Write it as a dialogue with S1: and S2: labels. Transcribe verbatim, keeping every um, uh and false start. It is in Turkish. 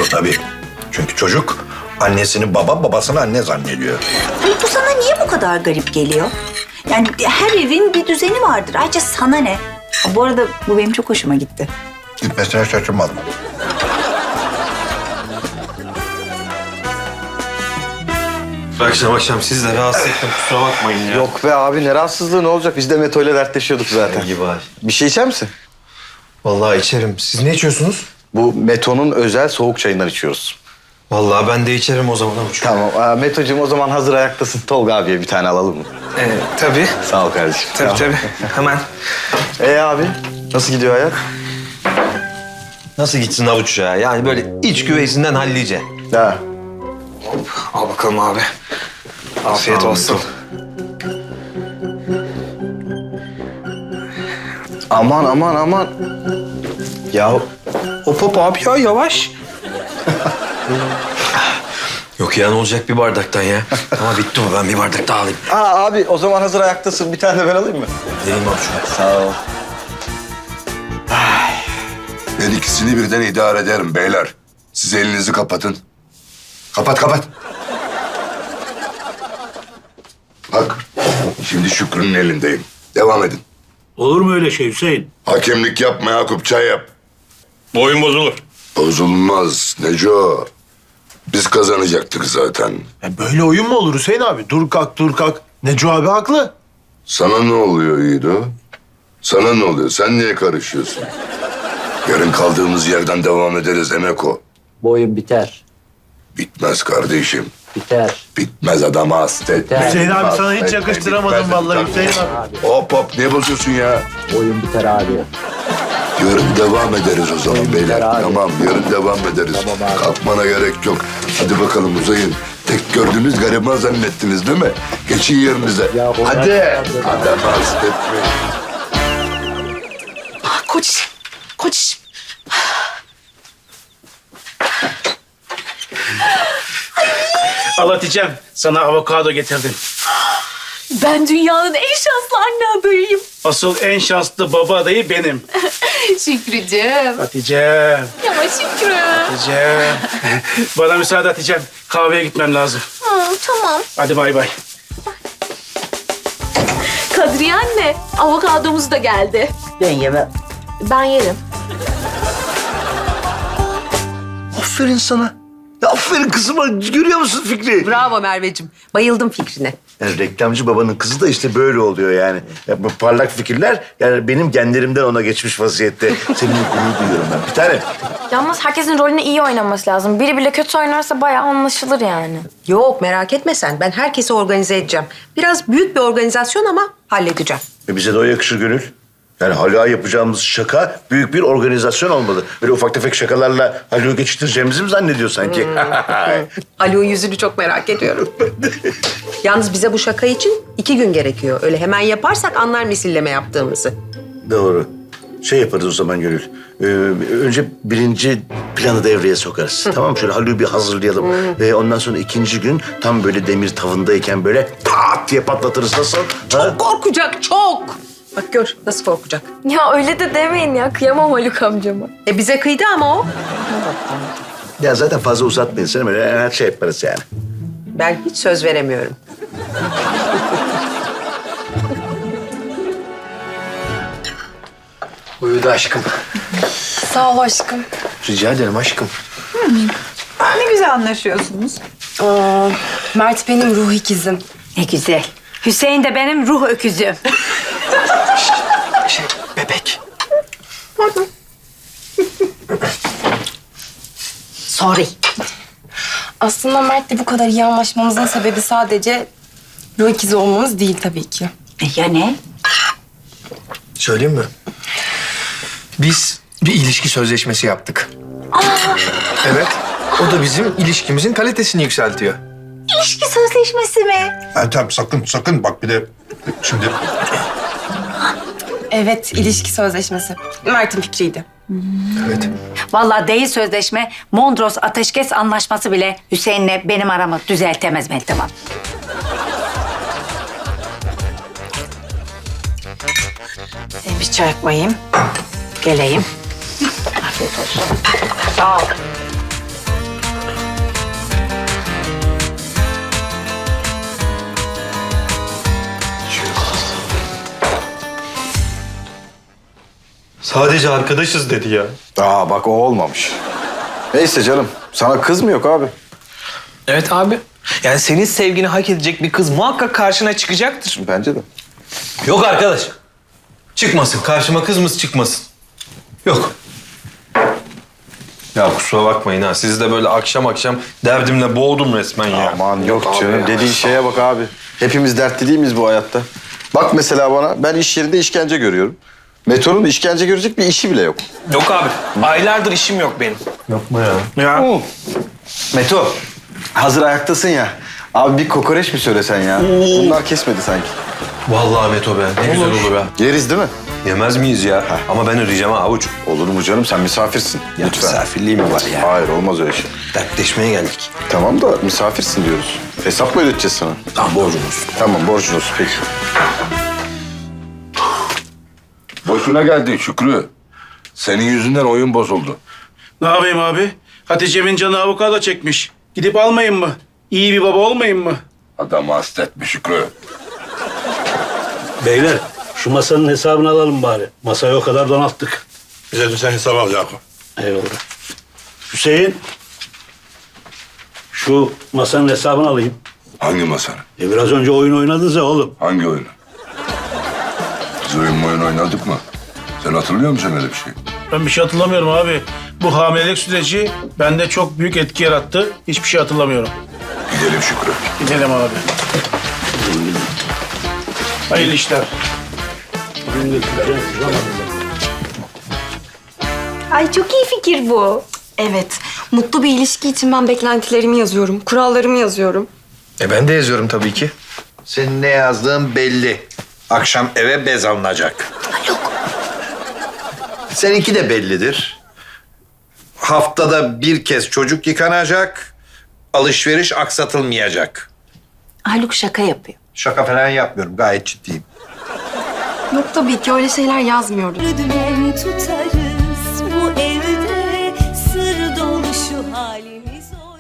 S1: Doğru tabii. Çünkü çocuk annesini baba, babasını anne zannediyor.
S2: Hayır, bu sana niye bu kadar garip geliyor? Yani her evin bir düzeni vardır. Ayrıca sana ne? Bu arada bu benim çok hoşuma gitti.
S1: Gitmesine şaşırmadım.
S3: Akşam akşam siz de rahatsız ettim. Kusura bakmayın ya.
S4: Yok be abi ne rahatsızlığı ne olacak? Biz de Meto ile dertleşiyorduk zaten.
S3: gibi abi.
S4: Bir şey içer misin?
S3: Vallahi içerim. Siz ne içiyorsunuz?
S4: Bu Meto'nun özel soğuk çayından içiyoruz.
S3: Vallahi ben de içerim o zaman avuç.
S4: Tamam. Aa, Meto'cum o zaman hazır ayaktasın. Tolga abiye bir tane alalım mı?
S3: Ee, tabii.
S4: Sağ ol kardeşim.
S3: Tabii tabii. Hemen.
S4: Ee abi nasıl gidiyor hayat?
S3: Nasıl gitsin avuç ya? Yani böyle iç güveysinden hallice.
S4: Ha.
S3: Al bakalım abi. Afiyet olsun.
S4: Aman aman aman. Ya
S3: Hop hop abi ya yavaş. Yok ya ne olacak bir bardaktan ya. Ama bitti o, ben bir bardak daha alayım.
S4: Aa, abi o zaman hazır ayaktasın. Bir tane de ben alayım mı?
S3: Vereyim abi şunu.
S4: Sağ ol.
S5: Ben ikisini birden idare ederim beyler. Siz elinizi kapatın. Kapat kapat. Bak şimdi Şükrü'nün elindeyim. Devam edin.
S6: Olur mu öyle şey Hüseyin?
S5: Hakemlik yapma Yakup, çay yap.
S6: Boyun bozulur.
S5: Bozulmaz Neco. Biz kazanacaktık zaten.
S7: Ya böyle oyun mu olur Hüseyin abi? Dur kalk dur kalk. Neco abi haklı.
S5: Sana ne oluyor İdo? Sana ne oluyor? Sen niye karışıyorsun? Yarın kaldığımız yerden devam ederiz Emeko.
S8: Boyun biter.
S5: Bitmez kardeşim.
S8: Biter.
S5: Bitmez adama hasta etme.
S7: Hüseyin abi
S5: Hasta
S7: sana hiç
S5: etme,
S7: yakıştıramadım
S5: bitmez,
S7: vallahi
S5: bitmez.
S7: Hüseyin abi.
S5: Hop hop ne bozuyorsun ya?
S8: Boyun biter abi.
S5: Yarın devam ederiz o zaman
S8: Oyun
S5: beyler.
S8: biter abi.
S5: Tamam yarın devam ederiz.
S8: Tamam abi.
S5: Kalkmana gerek yok. Hadi bakalım uzayın. Tek gördüğünüz gariban zannettiniz değil mi? Geçin yerinize.
S8: Ya, o
S5: Hadi.
S8: nereden-
S5: Adamı hasta etmeyin.
S9: Koç, koç.
S6: Al Hatice'm, sana avokado getirdim.
S9: Ben dünyanın en şanslı anne adayıyım.
S6: Asıl en şanslı baba adayı benim.
S9: Şükrücüğüm.
S6: Hatice'm,
S9: Ya Şükrü.
S6: Hatice'm. Bana müsaade Hatice'm. Kahveye gitmem lazım.
S9: Hı, tamam.
S6: Hadi bay bay.
S9: Kadriye anne, avokadomuz da geldi.
S8: Ben yemem.
S9: Ben yerim.
S7: Aferin sana. Ya aferin kızıma. Görüyor musun Fikri?
S10: Bravo Merveciğim. Bayıldım fikrine.
S1: Yani reklamcı babanın kızı da işte böyle oluyor yani. Ya bu parlak fikirler yani benim genlerimden ona geçmiş vaziyette. Seninle gurur duyuyorum ben. Bir tane.
S11: Yalnız herkesin rolünü iyi oynaması lazım. Biri bile kötü oynarsa bayağı anlaşılır yani.
S10: Yok merak etme sen. Ben herkesi organize edeceğim. Biraz büyük bir organizasyon ama halledeceğim.
S1: E bize de o yakışır Gönül. Yani Haluk'a yapacağımız şaka büyük bir organizasyon olmalı. Böyle ufak tefek şakalarla Haluk'u geçiştireceğimizi mi zannediyor sanki?
S10: Haluk'un yüzünü çok merak ediyorum. Yalnız bize bu şaka için iki gün gerekiyor. Öyle hemen yaparsak anlar misilleme yaptığımızı.
S1: Doğru. Şey yaparız o zaman Gönül. Ee, önce birinci planı devreye sokarız. Tamam mı? Şöyle Haluk'u bir hazırlayalım. Ve ondan sonra ikinci gün tam böyle demir tavındayken böyle pat diye patlatırız. Nasıl?
S10: Çok korkacak, çok. Bak gör nasıl korkacak.
S11: Ya öyle de demeyin ya. Kıyamam Haluk amcama.
S10: E bize kıydı ama o.
S1: Ya zaten fazla uzatmayın. Sen böyle her şey yaparız yani.
S10: Ben hiç söz veremiyorum.
S7: Uyudu aşkım.
S11: Sağ ol aşkım.
S7: Rica ederim aşkım.
S2: Ne güzel anlaşıyorsunuz.
S11: Aa, Mert benim ruh ikizim.
S2: Ne güzel. Hüseyin de benim ruh öküzüm.
S7: Şey bebek.
S2: Sorry.
S11: Aslında Mert'le bu kadar iyi anlaşmamızın sebebi sadece ruh ikizi olmamız değil tabii ki.
S2: E ya ne?
S7: Söyleyeyim mi? Biz bir ilişki sözleşmesi yaptık. Evet. O da bizim ilişkimizin kalitesini yükseltiyor.
S2: İlişki sözleşmesi mi?
S1: Ertem sakın sakın bak bir de şimdi...
S11: Evet, ilişki sözleşmesi. Mert'in fikriydi.
S7: Evet.
S2: Vallahi değil sözleşme, Mondros ateşkes anlaşması bile Hüseyin'le benim aramı düzeltemez Meltem Hanım. Ben bir çay koyayım. Geleyim. Afiyet olsun. Sağ ol.
S3: Sadece arkadaşız dedi ya.
S4: Aa bak o olmamış. Neyse canım. Sana kız mı yok abi?
S12: Evet abi. Yani senin sevgini hak edecek bir kız muhakkak karşına çıkacaktır.
S4: Bence de.
S3: Yok arkadaş. Çıkmasın. Karşıma kızımız çıkmasın. Yok. Ya kusura bakmayın ha. Sizi de böyle akşam akşam derdimle boğdum resmen ya.
S4: Aman yok
S3: abi
S4: canım.
S3: ya.
S4: Dediğin şeye bak abi. Hepimiz dertli değil miyiz bu hayatta? Bak mesela bana. Ben iş yerinde işkence görüyorum. Meto'nun işkence görecek bir işi bile yok.
S12: Yok abi. Aylardır işim yok benim.
S3: Yapma ya.
S12: Ya.
S4: Meto. Hazır ayaktasın ya. Abi bir kokoreç mi söylesen ya? Bunlar kesmedi sanki.
S3: Vallahi Meto be. Ne güzel olur ha.
S4: Yeriz değil mi?
S3: Yemez miyiz ya? Ama ben ödeyeceğim ha avuç.
S4: Olur mu canım? Sen misafirsin.
S3: Ya
S4: Lütfen.
S3: misafirliği mi var ya?
S4: Hayır olmaz öyle şey.
S3: Dertleşmeye geldik.
S4: Tamam da misafirsin diyoruz. Hesap mı ödeteceğiz sana?
S3: Tamam borcumuz.
S4: Tamam borcun olsun peki.
S5: Boşuna geldin Şükrü. Senin yüzünden oyun bozuldu.
S6: Ne yapayım abi? Hatice'min canı avokado çekmiş. Gidip almayayım mı? İyi bir baba olmayayım mı?
S5: Adamı hastetme Şükrü.
S7: Beyler şu masanın hesabını alalım bari. Masayı o kadar donattık.
S5: Bize de sen hesap al Yakup.
S7: Eyvallah. Hüseyin. Şu masanın hesabını alayım.
S5: Hangi masanın?
S7: E biraz önce oyun oynadınız ya oğlum.
S5: Hangi oyunu? Biz oyun oyun oynadık mı? Sen hatırlıyor musun öyle bir şey?
S6: Ben bir şey hatırlamıyorum abi. Bu hamilelik süreci bende çok büyük etki yarattı. Hiçbir şey hatırlamıyorum.
S5: Gidelim Şükrü.
S6: Gidelim abi. Hayırlı işler.
S2: Ay çok iyi fikir bu.
S11: Evet. Mutlu bir ilişki için ben beklentilerimi yazıyorum. Kurallarımı yazıyorum.
S3: E ben de yazıyorum tabii ki.
S7: Senin ne yazdığın belli. Akşam eve bez alınacak. Seninki de bellidir. Haftada bir kez çocuk yıkanacak. Alışveriş aksatılmayacak.
S2: Haluk şaka yapıyor.
S7: Şaka falan yapmıyorum. Gayet ciddiyim.
S11: Yok tabii ki öyle şeyler yazmıyoruz.
S9: Dümen tutarız bu ev